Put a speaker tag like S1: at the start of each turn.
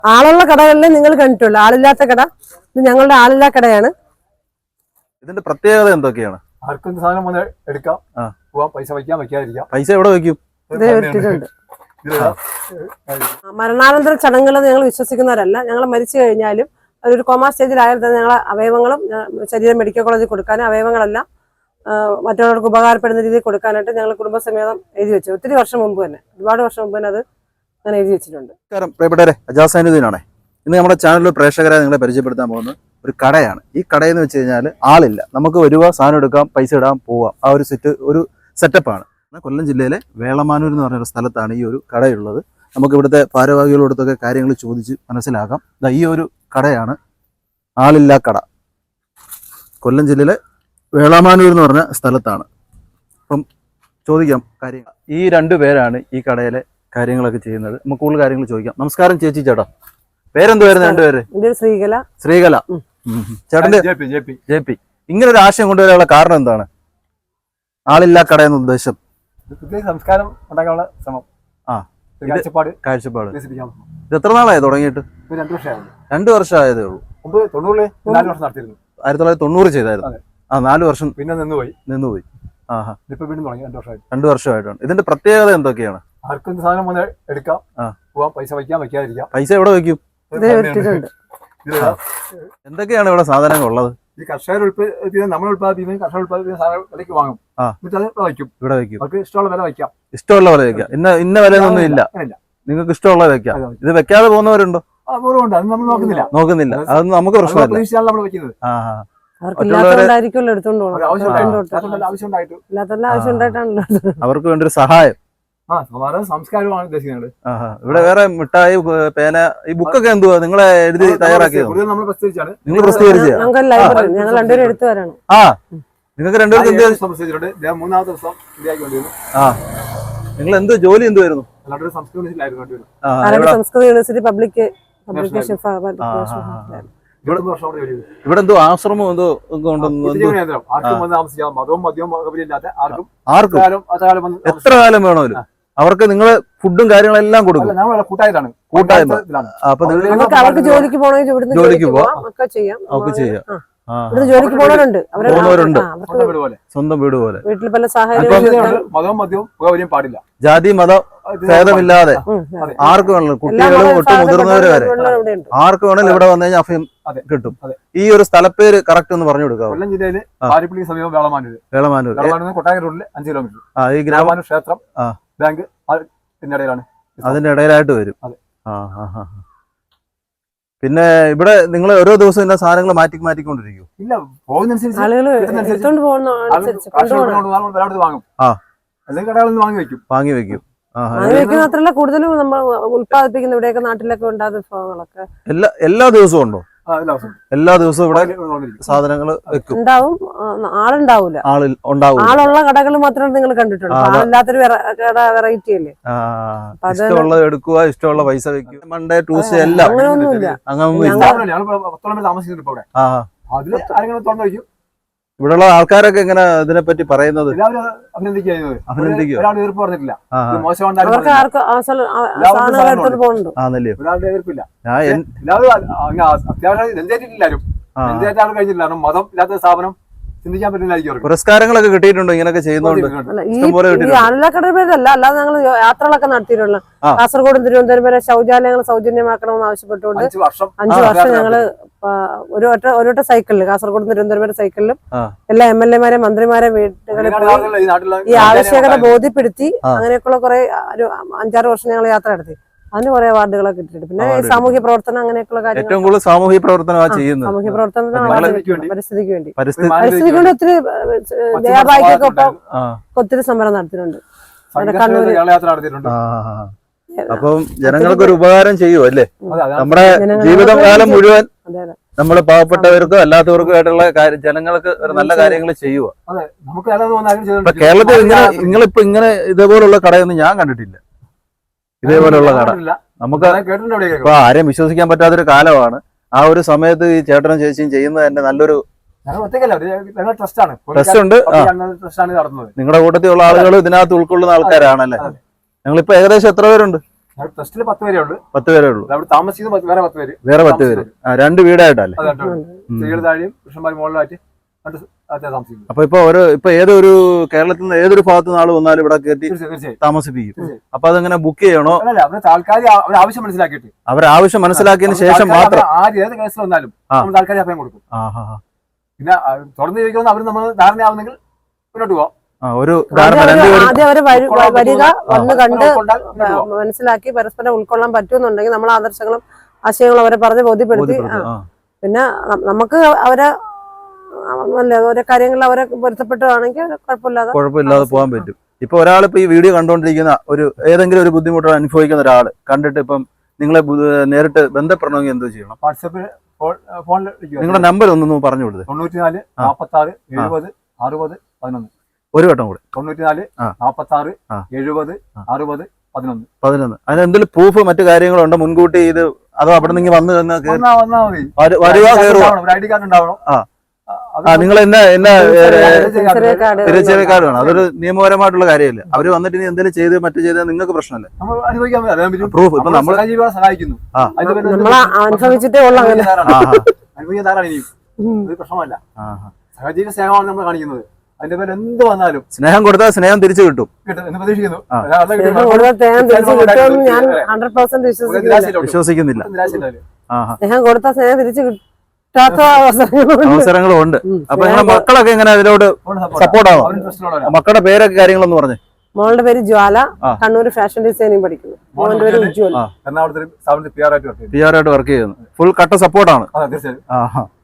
S1: ആളുള്ള കടകളിൽ നിങ്ങൾ കണ്ടിട്ടുള്ളൂ, ആളില്ലാത്ത കട ഇത് ഞങ്ങളുടെ ആളില്ലാ കടയാണ്.
S2: ഇതിന്റെ പ്രത്യേകത എന്തൊക്കെയാണ്?
S3: ആർക്കും സാധനം വന്ന് എടുക്കാം, പോവാം, പൈസ വയ്ക്കാം, വയ്ക്കാതിരിക്കാം.
S2: പൈസ എവിടെ വെക്കും?
S1: ഇത് ഇട്ടിട്ടുണ്ട്. മരണാനന്തര ചടങ്ങുകൾ ഞങ്ങൾ വിശ്വസിക്കുന്നവരല്ല. ഞങ്ങൾ മരിച്ചു കഴിഞ്ഞാലും ഒരു കോമാ സ്റ്റേജിലായാൽ തന്നെ ഞങ്ങളെ അവയവങ്ങളും ശരീരം മെഡിക്കൽ കോളേജിൽ കൊടുക്കാനും അവയവങ്ങളെല്ലാം മറ്റുള്ളവർക്ക് ഉപകാരപ്പെടുന്ന രീതിയിൽ കൊടുക്കാനായിട്ട് ഞങ്ങൾ കുടുംബസമേതം എഴുതി വെച്ചു. ഒത്തിരി വർഷം മുമ്പ് തന്നെ, ഒരുപാട് വർഷം മുമ്പ് തന്നെ അത് ഞാൻ എഴുതി വെച്ചിട്ടുണ്ട്.
S2: പ്രിയപ്പെട്ടവരെ, അജാസ് സൈനുദ്ദീനാണേ. ഇന്ന് നമ്മുടെ ചാനലിൽ പ്രേക്ഷകരെ നിങ്ങളെ പരിചയപ്പെടുത്താൻ പോകുന്ന ഒരു കടയാണ്. ഈ കടയെന്ന് വെച്ച് കഴിഞ്ഞാൽ ആളില്ല, നമുക്ക് വരുക, സാധനം എടുക്കാം, പൈസ ഇടാം, പോവാം. ആ ഒരു സെറ്റപ്പാണ്. കൊല്ലം ജില്ലയിലെ വേളമാനൂർ എന്ന് പറഞ്ഞൊരു സ്ഥലത്താണ് ഈ ഒരു കടയുള്ളത്. നമുക്ക് ഇവിടുത്തെ ഭാരവാഹികളോടൊക്കെ കാര്യങ്ങൾ ചോദിച്ച് മനസ്സിലാക്കാം. ഈ ഒരു കടയാണ് ആളില്ലാ കട. കൊല്ലം ജില്ലയിലെ വേളമാനൂർ എന്ന് പറഞ്ഞ സ്ഥലത്താണ്. അപ്പം ചോദിക്കാം കാര്യങ്ങൾ. ഈ രണ്ടു പേരാണ് ഈ കടയിലെ കാര്യങ്ങളൊക്കെ ചെയ്യുന്നത്. നമുക്ക് കൂടുതൽ കാര്യങ്ങൾ ചോദിക്കാം. നമസ്കാരം ചേച്ചി. ചേട്ടാ പേരെന്തുവായിരുന്നു? രണ്ടുപേര്?
S1: ശ്രീകല.
S2: ശ്രീകല. ചേട്ടന്റെ ജെ പി. ഇങ്ങനെ ഒരു ആശയം കൊണ്ടുവരാനുള്ള കാരണം എന്താണ്? ആളില്ലാ കട എന്ന ഉദ്ദേശം?
S3: സംസ്കാരം ഉണ്ടാക്കാനുള്ള ശ്രമം,
S2: കാഴ്ചപ്പാട്. ഇത് എത്ര നാളായി തുടങ്ങിയിട്ട്?
S3: 2 വർഷമായി.
S2: 2 വർഷമായതേ ഉള്ളൂ.
S3: 4 വർഷം നടത്തിയിരുന്നു.
S2: 1990 ചെയ്തായിരുന്നു. 4 വർഷം
S3: പിന്നെ നിന്നുപോയി. ഇപ്പൊ വീണ്ടും തുടങ്ങി.
S2: 2 വർഷമായിട്ടാണ്. ഇതിന്റെ പ്രത്യേകത എന്തൊക്കെയാണ്?
S3: ആർക്കും സാധനം വന്ന് എടുക്കാം, പോവാം, പൈസ വയ്ക്കാം, വയ്ക്കാതിരിക്കാം.
S2: പൈസ എവിടെ വെക്കും? എന്തൊക്കെയാണ് ഇവിടെ സാധനങ്ങൾ ഉള്ളത്?
S3: ഈ കർഷകർ നമ്മൾ ഉത്പാദിപ്പിക്കുന്ന കർഷകർ ഉത്പാദിപ്പിക്കുന്ന സാധനം വിലയ്ക്ക് വാങ്ങും, എന്നിട്ട് അത് ഇവിടെ വയ്ക്കും. അവർക്ക് ഇഷ്ടമുള്ള വില വയ്ക്കാം.
S2: ഇഷ്ടമുള്ള വില വയ്ക്കാം. ഇന്ന വിലയൊന്നും ഇല്ല, നിങ്ങൾക്ക് ഇഷ്ടമുള്ള വെക്കാം. ഇത് വെക്കാതെ പോകുന്നവരുണ്ടോ?
S3: അപൂർവമുണ്ട്, അത് നമ്മൾ
S2: നോക്കുന്നില്ല. അതൊന്നും നമുക്ക് പ്രശ്നമല്ല.
S3: നമ്മൾ വെക്കുന്നത്
S2: അവർക്ക് വേണ്ടി ഒരു സഹായം,
S3: സംസ്കാരമാണ് ഉദ്ദേശിക്കുന്നത്.
S2: ഇവിടെ വേറെ മിഠായി, പേന, ഈ ബുക്കൊക്കെ എന്തുവാ നിങ്ങളെ എഴുതി തയ്യാറാക്കിയത്?
S3: നമ്മൾ പ്രസിദ്ധീകരിച്ചാണ്.
S2: നിങ്ങൾ പ്രസിദ്ധീകരിച്ച? നിങ്ങൾക്ക് രണ്ടുപേർക്ക്
S3: പ്രസിദ്ധീകരിച്ചിട്ടുണ്ട്. 3ാമത്തെ ദിവസം
S2: നിങ്ങൾ എന്ത് ജോലി എന്തുവായിരുന്നു?
S1: സംസ്കൃത യൂണിവേഴ്സിറ്റി പബ്ലിക് പബ്ലിക്കേഷൻ.
S2: ഇവിടെ എന്തോ ആശ്രമം എന്തോ ആർക്കും എത്ര കാലം വേണമല്ലോ. അവർക്ക് നിങ്ങള് ഫുഡും കാര്യങ്ങളെല്ലാം കൊടുക്കും.
S3: കൂട്ടായ്മ.
S2: അപ്പൊ
S1: അവർക്ക് ജോലിക്ക് പോകണമെങ്കിൽ
S2: ജോലിക്ക് പോവാം,
S1: ഒക്കെ ചെയ്യാം.
S2: ജോലിക്ക്
S1: പോകുന്നവരുണ്ട്.
S2: സ്വന്തം വീട് പോലെ.
S1: വീട്ടിൽ പല സാഹചര്യം
S3: പാടില്ല.
S2: ജാതി മത ഭേദമില്ലാതെ ആർക്ക് വേണം, കുട്ടികളും ഒട്ടും മുതിർന്നവര് വരെ ആർക്ക് വേണമെങ്കിലും ഇവിടെ വന്നു കഴിഞ്ഞാൽ അഭയം കിട്ടും. ഈ ഒരു സ്ഥലപ്പേര് കറക്റ്റ് ഒന്ന് പറഞ്ഞു കൊടുക്കാം.
S3: കൊല്ലം ജില്ലയില് പാരിപ്പള്ളി സമീപം വേളമാനൂർ. കൊട്ടാരം റോഡില് 5 കിലോമീറ്റർ.
S2: ഈ ഗ്രാമമാനൂർ
S3: ക്ഷേത്രം, ബാങ്ക് ഇതിനിടയിലാണ്.
S2: അതിന്റെ ഇടയിലായിട്ട് വരും. പിന്നെ ഇവിടെ നിങ്ങൾ ഓരോ ദിവസവും എല്ലാ സാധനങ്ങൾ മാറ്റിക്കൊണ്ടിരിക്കും?
S3: ഇല്ല, പോകുന്നതനുസരിച്ച് വാങ്ങും. അല്ലെങ്കിൽ കടകളിൽ നിന്ന് വാങ്ങി വെക്കും.
S1: മാത്രമല്ല, കൂടുതലും നമ്മൾ ഉത്പാദിപ്പിക്കുന്ന ഇവിടെയൊക്കെ നാട്ടിലൊക്കെ ഉണ്ടാകുന്ന വിഭവങ്ങളൊക്കെ
S2: എല്ലാ ദിവസവും ഉണ്ടോ? എല്ലാ ദിവസവും ഇവിടെ സാധനങ്ങൾ വെക്കും.
S1: ഉണ്ടാവും. ആളുണ്ടാവൂല. ആളുള്ള കടകൾ മാത്രമേ നിങ്ങൾ കണ്ടിട്ടുള്ളൂ. ആളില്ലാത്തൊരു വെറൈറ്റി അല്ലേ.
S2: ഇഷ്ടമുള്ളത് എടുക്കുക, ഇഷ്ടമുള്ള പൈസ വെക്കുക. മൺഡേ ട്യൂസ്ഡേ എല്ലാം
S1: അങ്ങനെയൊന്നുമില്ല.
S2: ഇവിടെയുള്ള ആൾക്കാരൊക്കെ എങ്ങനെ ഇതിനെപ്പറ്റി പറയുന്നത്?
S3: മതം ഇല്ലാത്ത സ്ഥാപനം ചിന്തിക്കാൻ പറ്റില്ല.
S2: പുരസ്കാരങ്ങളൊക്കെ കിട്ടിയിട്ടുണ്ടോ ഇങ്ങനെയൊക്കെ ചെയ്യുന്നുണ്ട്?
S1: അല്ലാതെ ഞങ്ങൾ യാത്രകളൊക്കെ നടത്തിയിട്ടുള്ള കാസർഗോഡും തിരുവനന്തപുരം വരെ ശൗചാലയങ്ങൾ സൗജന്യമാക്കണമെന്ന് ആവശ്യപ്പെട്ടുകൊണ്ട് 5 വർഷം ഞങ്ങള് ഒരു സൈക്കിളിൽ കാസർഗോഡ് തിരുവനന്തപുരം വരെ സൈക്കിളിലും എല്ലാ MLA-മാരെ മന്ത്രിമാരെ വീടുകളിൽ പോയി ഈ ആവശ്യകത ബോധ്യപ്പെടുത്തി അങ്ങനെയൊക്കെയുള്ള കുറെ 5-6 വർഷം ഞങ്ങൾ യാത്ര നടത്തി. അതിന് കുറെ അവാർഡുകളൊക്കെ കിട്ടിയിട്ടുണ്ട്. പിന്നെ സാമൂഹ്യ പ്രവർത്തനം അങ്ങനെയൊക്കെയുള്ള കാര്യങ്ങൾ.
S2: ഏറ്റവും കൂടുതൽ സാമൂഹ്യ പ്രവർത്തനമാണ് ചെയ്യുന്നത്.
S1: സാമൂഹ്യ പ്രവർത്തനത്തിന് പരിസ്ഥിതിക്ക് വേണ്ടി ഒത്തിരി ജയാബായിക്കൊപ്പം ഒത്തിരി സമരം നടത്തിയിട്ടുണ്ട്.
S2: അപ്പം ജനങ്ങൾക്ക് ഒരു ഉപകാരം ചെയ്യുമോ അല്ലേ? നമ്മുടെ ജീവിതകാലം മുഴുവൻ നമ്മൾ പാവപ്പെട്ടവർക്കും അല്ലാത്തവർക്കും ആയിട്ടുള്ള ജനങ്ങൾക്ക് ഒരു നല്ല കാര്യങ്ങൾ ചെയ്യുക. കേരളത്തിൽ നിങ്ങളിപ്പോ ഇങ്ങനെ ഇതേപോലുള്ള കടയൊന്നും ഞാൻ കണ്ടിട്ടില്ല. ഇതേപോലെയുള്ള കട നമുക്ക് ഇപ്പൊ ആരെയും വിശ്വസിക്കാൻ പറ്റാത്തൊരു കാലമാണ്. ആ ഒരു സമയത്ത് ഈ ചേട്ടനും ചേച്ചിയും ചെയ്യുന്നത് തന്നെ നല്ലൊരു ട്രസ്റ്റ് ഉണ്ട്. നിങ്ങളുടെ കൂട്ടത്തിലുള്ള ആളുകൾ ഇതിനകത്ത് ഉൾക്കൊള്ളുന്ന ആൾക്കാരാണല്ലേ? ഞങ്ങളിപ്പോ ഏകദേശം എത്ര പേരുണ്ട്?
S3: ടെസ്റ്റില് 10 പേരേ ഉള്ളൂ.
S2: 10 പേരേ ഉള്ളൂ.
S3: അവിടെ താമസിക്കുന്നത് വേറെ 10 പേര്.
S2: വേറെ 10 പേര്. 2 വീടായിട്ടല്ലേ?
S3: സ്ത്രീകൾ താഴെയും പുരുഷന്മാർ മുകളിലായിട്ട് താമസിക്കുന്നു.
S2: അപ്പൊ ഇപ്പൊ ഏതൊരു കേരളത്തിൽ നിന്ന് ഏതൊരു ഭാഗത്ത് നിന്ന് ആള് വന്നാലും ഇവിടെ കയറ്റി താമസിപ്പിക്കും. അപ്പൊ അതെങ്ങനെ ബുക്ക് ചെയ്യണോ?
S3: ആൾക്കാർ ആവശ്യം മനസ്സിലാക്കിയിട്ട്
S2: അവരെ ആവശ്യം മനസ്സിലാക്കിയതിന് ശേഷം മാത്രം
S3: ഏത് കേസിൽ വന്നാലും നമ്മൾ താൽക്കാലിക അഭയം കൊടുക്കും. പിന്നെ തുറന്നു ചോദിക്കുമ്പോൾ അവർ നമ്മൾ ധാരണയാവുന്നെങ്കിൽ മുന്നോട്ട് പോവാം.
S1: ആദ്യം അവര് വരിക, വന്ന് കണ്ട് മനസ്സിലാക്കി പരസ്പരം ഉൾക്കൊള്ളാൻ പറ്റുമെന്നുണ്ടെങ്കിൽ നമ്മൾ ആദർശങ്ങളും ആശയങ്ങളും അവരെ പറഞ്ഞ് ബോധ്യപ്പെടുത്തി. പിന്നെ നമുക്ക് അവരെ ഓരോ കാര്യങ്ങളിൽ അവരെ പൊരുത്തപ്പെട്ടുവാണെങ്കിൽ
S2: കുഴപ്പമില്ലാതെ പോകാൻ പറ്റും. ഇപ്പൊ ഒരാളിപ്പോ ഈ വീഡിയോ കണ്ടുകൊണ്ടിരിക്കുന്ന ഏതെങ്കിലും ഒരു ബുദ്ധിമുട്ട് അനുഭവിക്കുന്ന ഒരാൾ കണ്ടിട്ട് ഇപ്പം നിങ്ങളെ നേരിട്ട് ബന്ധപ്പെടണമെങ്കിൽ എന്തോ ചെയ്യണം?
S3: വാട്സാപ്പിൽ ഫോണിൽ
S2: നിങ്ങളുടെ നമ്പർ ഒന്ന് പറഞ്ഞു കൊടുത്തത്.
S3: 94 46 70 60 11.
S2: ഒരു വട്ടം കൂടെ.
S3: 94 46 70 60 11.
S2: അതിന് എന്തെങ്കിലും പ്രൂഫ് മറ്റു കാര്യങ്ങളുണ്ടോ മുൻകൂട്ടി ഇത്? അതോ അവിടെ നിന്ന് വന്നു
S3: ഐഡി കാർഡ് ഉണ്ടാവണം.
S2: നിങ്ങൾ തിരിച്ചറിയ കാർഡ് വേണം. അതൊരു നിയമപരമായിട്ടുള്ള കാര്യമല്ല. അവര് വന്നിട്ട് ഇനി എന്തെങ്കിലും ചെയ്ത് മറ്റു ചെയ്താൽ നിങ്ങൾക്ക് പ്രശ്നമല്ലേ? പ്രൂഫ് ഇപ്പൊ നമ്മൾ
S3: സഹായിക്കുന്നു. പ്രശ്നമല്ല. സഹജീവ സ്നേഹമാണ് നമ്മൾ കാണിക്കുന്നത്. അതിന്റെ പേര് എന്ത് വന്നാലും
S2: സ്നേഹം കൊടുത്താൽ സ്നേഹം തിരിച്ചു കിട്ടും
S3: എന്ന് പ്രതീക്ഷിക്കുന്നു.
S2: വിശ്വസിക്കുന്നില്ല.
S1: സ്നേഹം കൊടുത്താൽ സ്നേഹം തിരിച്ചു
S2: അവസരങ്ങളും ഉണ്ട്. അപ്പൊ നിങ്ങളുടെ മക്കളൊക്കെ എങ്ങനെ അതിനോട് സപ്പോർട്ടാണോ? മക്കളുടെ പേരൊക്കെ കാര്യങ്ങളൊന്നും പറഞ്ഞു.
S1: മോളുടെ പേര് ജ്വാല, കണ്ണൂർ ഫാഷൻ ഡിസൈനിങ് പഠിക്കുന്നു. മോന്റെ പേര് ഉജ്വൽ,
S3: എറണാകുളത്ത് PR ആയിട്ട്
S2: വർക്ക് ചെയ്യുന്നു. ഫുൾ കട്ട സപ്പോർട്ടാണ്.